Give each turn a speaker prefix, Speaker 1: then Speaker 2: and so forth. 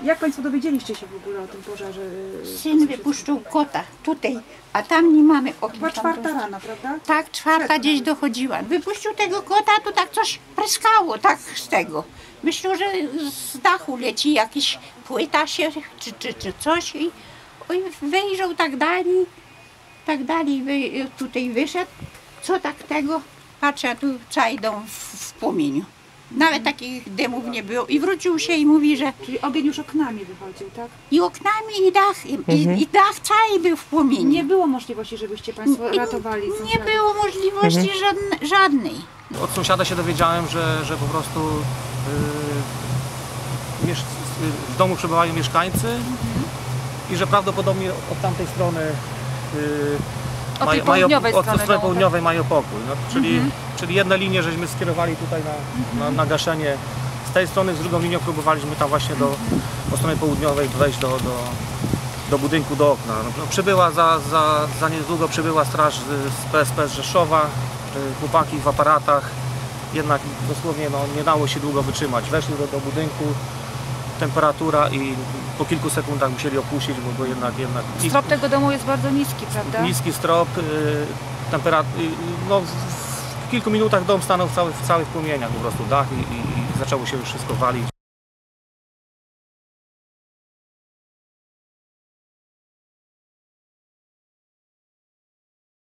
Speaker 1: Jak Państwo dowiedzieliście się w ogóle o tym pożarze?
Speaker 2: Syn wypuszczył kota tutaj, a tam nie mamy okien.
Speaker 1: Chyba 4 rano, prawda?
Speaker 2: Tak, 4 gdzieś dochodziła. Wypuścił tego kota, to tak coś pryskało, tak z tego. Myślał, że z dachu leci jakiś płyta się, czy coś i wyjrzał tak dalej, tutaj wyszedł. Co tak tego? Patrzę, a tu cały dom w płomieniu. Nawet takich dymów nie było i wrócił się i mówi, że
Speaker 1: Czyli ogień już oknami wychodził, tak?
Speaker 2: i oknami i dach, i dach cały był w płomieniu.
Speaker 1: Nie było możliwości, żebyście Państwo ratowali.
Speaker 2: Nie było możliwości żadnej.
Speaker 3: Od sąsiada się dowiedziałem, że po prostu w domu przebywają mieszkańcy i że prawdopodobnie od tamtej strony
Speaker 1: Od tej południowej strony
Speaker 3: strony południowej mają pokój. No, czyli jedne linie żeśmy skierowali tutaj na gaszenie z tej strony, z drugą linią próbowaliśmy tam właśnie po stronie południowej wejść do budynku, do okna. No, przybyła za niedługo przybyła straż z PSP z Rzeszowa, chłopaki w aparatach, jednak dosłownie nie dało się długo wytrzymać. Weszli do budynku, temperatura i po kilku sekundach musieli opuścić, bo jednak...
Speaker 1: Strop tego domu jest bardzo niski, prawda?
Speaker 3: Niski strop, no w kilku minutach dom stanął w całych płomieniach, po prostu dach i zaczęło się już wszystko walić.